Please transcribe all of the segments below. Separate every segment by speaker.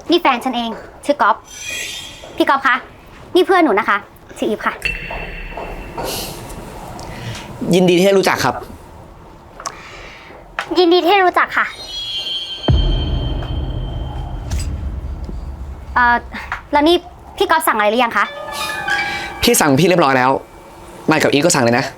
Speaker 1: นี่แฟนฉันเองชื่อก๊อฟพี่ก๊อฟคะนี่เพื่อนหนูนะคะชื่ออีฟค่ะ
Speaker 2: ยินดีที่ได้รู้จักครับ
Speaker 1: ยินดีที่ได้รู้จักค่ะแล้วนี่พี่ก๊อฟสั่งอะไรหรือยังคะ
Speaker 2: พี่สั่งพี่เรียบร้อยแล้วมายกับอีฟก็สั่งเลยนะ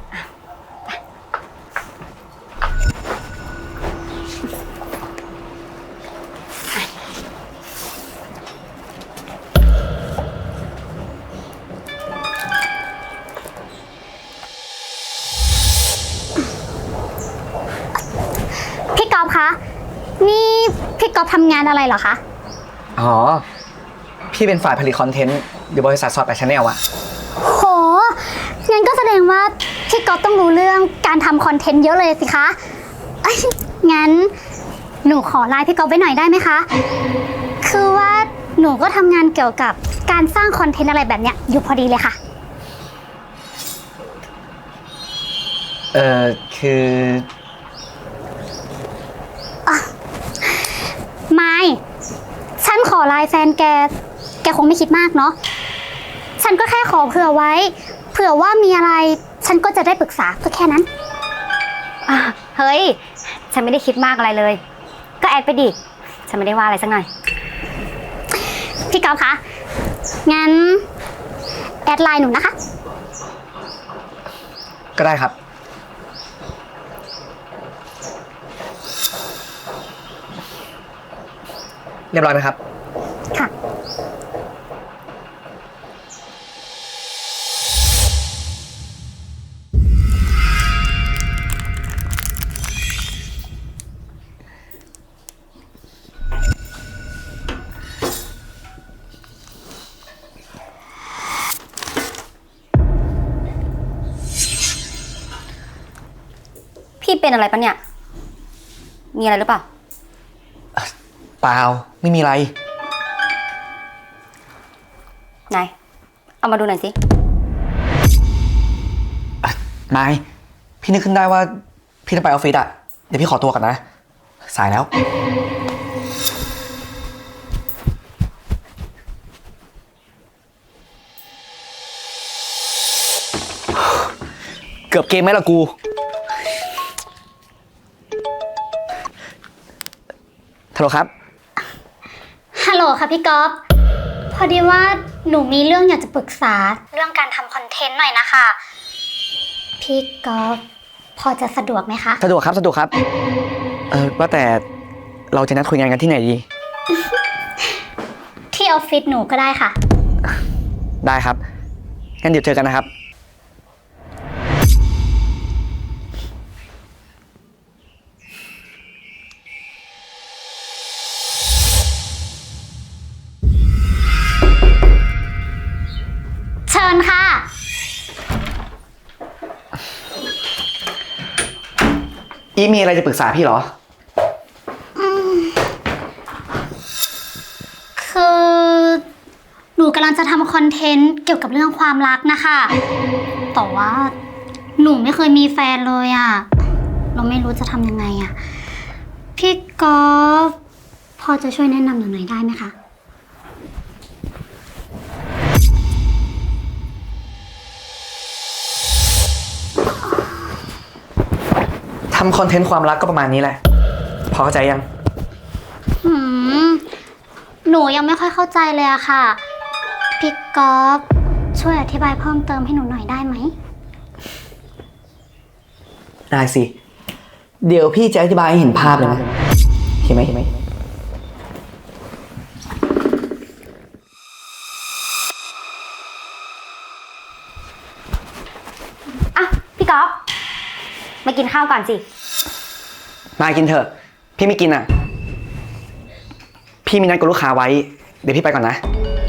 Speaker 1: พี่ก๊อฟคะนี่พี่ก๊อฟทำงานอะไรเหรอคะ
Speaker 2: อ๋อพี่เป็นฝ่ายผลิตคอนเทนต์อยู่บริษัทซอสแปดชาแนลอะ
Speaker 1: โหงั้นก็แสดงว่าพี่ก๊อฟต้องรู้เรื่องการทำคอนเทนต์เยอะเลยสิคะงั้นหนูขอไลน์พี่ก๊อฟไว้หน่อยได้ไหมคะคือว่าหนูก็ทำงานเกี่ยวกับการสร้างคอนเทนต์อะไรแบบเนี้ยอยู่พอดีเลยค่ะ
Speaker 2: คือ
Speaker 1: ไม่ฉันขอไลน์แฟนแกคงไม่คิดมากเนาะฉันก็แค่ขอเผื่อไว้เผื่อว่ามีอะไรฉันก็จะได้ปรึกษาก็แค่นั้นเฮ้ยฉันไม่ได้คิดมากอะไรเลยก็แอดไปดิฉันไม่ได้ว่าอะไรสักหน่อยพี่ก๊อฟคะงั้นแอดไลน์หนูนะคะ
Speaker 2: ก็ได้ครับเรียบร้อยไหมครับ
Speaker 1: ค่ะพี่เป็นอะไรปะเนี่ยมีอะไรหรือเปล่า
Speaker 2: เปล่าไม่มีอะไร
Speaker 1: ไหนเอามาดูหน่อยสิ
Speaker 2: มายพี่นึกขึ้นได้ว่าพี่ต้องไปออฟฟิศอะเดี๋ยวพี่ขอตัวก่อนนะสายแล้วเกือบเกมไหมล่ะกูฮัลโหลครับ
Speaker 1: ฮัลโหลค่ะพี่ก๊อฟพอดีว่าหนูมีเรื่องอยากจะปรึกษาเรื่องการทำคอนเทนต์หน่อยนะคะพี่ก๊อฟพอจะสะดวกไหมคะ
Speaker 2: สะดวกครับสะดวกครับว่าแต่เราจะนัดคุยงานกันที่ไหนดี
Speaker 1: ที่ออฟฟิศหนูก็ได้ค่ะ
Speaker 2: ได้ครับงั้นเดี๋ยวเจอกันนะครับ
Speaker 1: เชิญค่ะ
Speaker 2: อีมีอะไรจะปรึกษาพี่เหรอ
Speaker 1: คือหนูกำลังจะทำคอนเทนต์เกี่ยวกับเรื่องความรักนะคะแต่ว่าหนูไม่เคยมีแฟนเลยอะเราไม่รู้จะทำยังไงอะพี่ก๊อฟพอจะช่วยแนะนำหนูหน่อยได้ไหมคะ
Speaker 2: ทำคอนเทนต์ความรักก็ประมาณนี้แหละพอเข้าใจยัง
Speaker 1: หนูยังไม่ค่อยเข้าใจเลยอะค่ะพี่ก๊อฟช่วยอธิบายเพิ่มเติมให้หนูหน่อยได้ไหม
Speaker 2: ได้สิเดี๋ยวพี่จะอธิบายให้เห็นภาพเลยนะเห็นไหม
Speaker 1: อ่ะพี่ก๊อฟมากินข้าวก่อนสิ
Speaker 2: มากินเถอะพี่ไม่กินอ่ะพี่มีนัดกับลูกค้าไว้เดี๋ยวพี่ไปก่อนนะ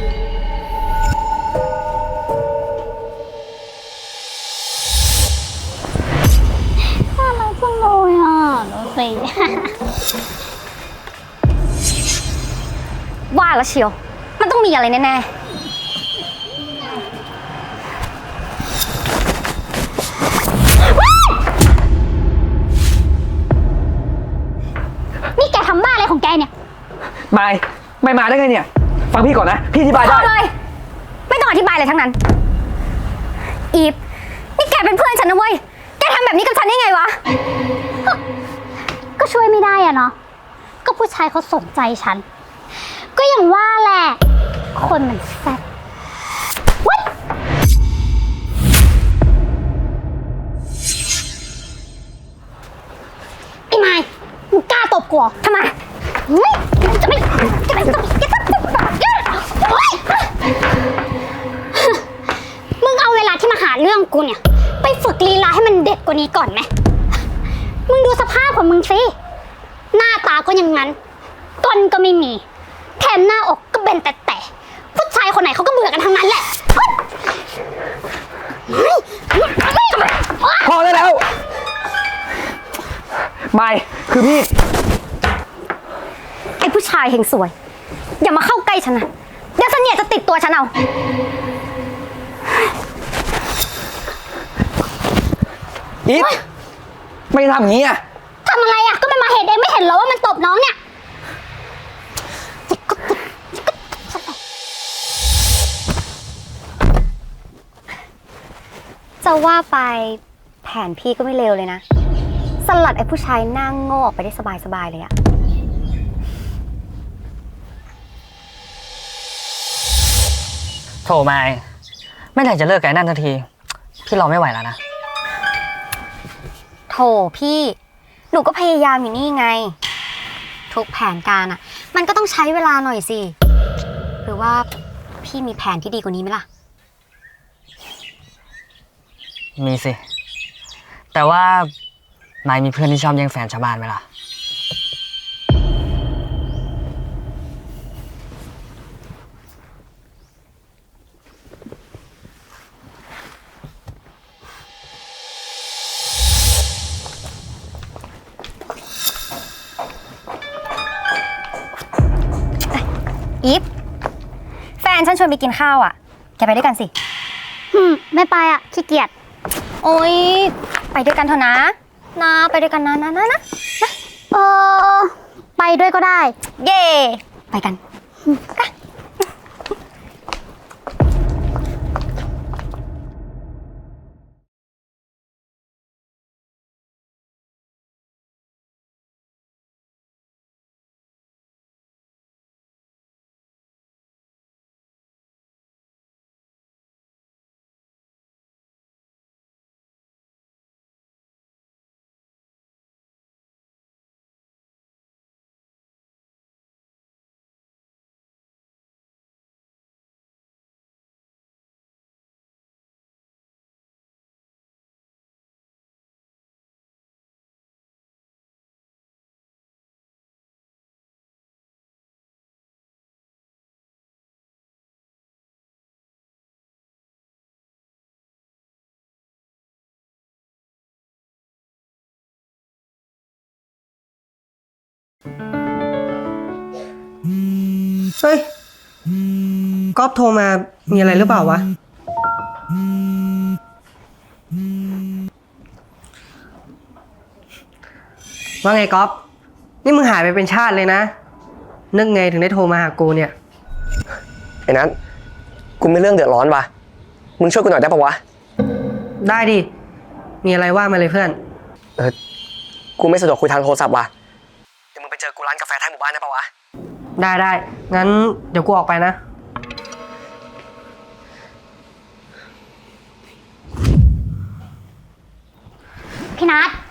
Speaker 1: น่ารักจังเลยอ่ะดูสิว่าแล้วเชียวมันต้องมีอะไรแน่ๆนี่แกทำบ้าอะไรของแกเนี่ย
Speaker 2: มายไม่มาได้ไงเนี่ย ฟังพี่ก่อนนะ พี่อธิบาย
Speaker 1: พ
Speaker 2: ได้
Speaker 1: อเลย ไม่ต้องอธิบายอะไรทั้งนั้น อีฟ นี่แกเป็นเพื่อนฉันนะเว้ย แกทำแบบนี้กับฉันได้ไงวะ ก็ช่วยไม่ได้อะเนาะ ก็ผู้ชายเขาสนใจฉัน ก็อย่างว่าแหละ คนมันแซ่บวัดไอ้ไม้มึงกล้าตบกูเหรอทำไมเฮ้ยจะไม่มึงเอาเวลาที่มาหาเรื่องกูเนี่ย ไปฝึกลีลาให้มันเด็ดกว่านี้ก่อนไหม มึงดูสภาพของมึงสิ หน้าตาก็ยังงั้นก้นก็ไม่มี แถมหน้าอกก็เป็นแต่ผู้ชายคนไหนเขาก็เบื่อกันทั้งนั้นแหละ
Speaker 2: พอได้แล้ว ไม่ คือพี่
Speaker 1: ไอ้ผู้ชายเฮงสวย อย่ามาเข้าใกล้ฉันนะเดี๋ยวเสนียดจะติดตัวฉันเอา
Speaker 2: อีฟ ไม่ทำอย่างนี้อ่ะ
Speaker 1: ทำอะไรอ่ะ ก็มันมาเห็นเองไม่เห็นเหรอว่ามันตบน้องเนี่ย จะว่าไปแผนพี่ก็ไม่เลวเลยนะ สลัดไอ้ผู้ชายหน้าโง่ออกไปได้สบายๆเลยอะ
Speaker 3: โถไม่ไหร่จะเลิกกับไอ้นั่นสักที พี่รอไม่ไหวแล้วนะ
Speaker 1: โถพี่ หนูก็พยายามอยู่นี่ไง ทุกแผนการอะมันก็ต้องใช้เวลาหน่อยสิ หรือว่าพี่มีแผนที่ดีกว่านี้ไหมล่ะ
Speaker 3: มีสิ แต่ว่านายมีเพื่อนที่ชอบแย่งแฟนชาวบ้านไหมล่ะ
Speaker 1: อีฟ แฟนฉันชวนไปกินข้าวอ่ะ แกไปด้วยกันสิ ไม่ไปอ่ะ ขี้เกียจ โอ๊ย ไปด้วยกันเถอะนะ ไปด้วยกันนะไปด้วยก็ได้ เย่ ไปกัน
Speaker 4: เฮ้ยก๊อฟโทรมา มีอะไรหรือเปล่าวะ ว่าไงก๊อฟนี่มึงหายไปเป็นชาติเลยนะ นึกไงถึงได้โทรมาหากูเนี่ย
Speaker 2: ไอ้นัทกูมีเรื่องเดือดร้อนว่ะ มึงช่วยกูหน่อยได้ปะวะ
Speaker 4: ได้ดิ มีอะไรว่ามาเลยเพื่อน
Speaker 2: กูไม่สะดวกคุยทางโทรศัพท์ว่ะ เดี๋ยวมึงไปเจอกูร้านกาแฟท้ายหมู่บ้านได้ปะวะ
Speaker 4: ได้ งั้นเดี๋ยวกูออกไปนะ
Speaker 1: พี่นัท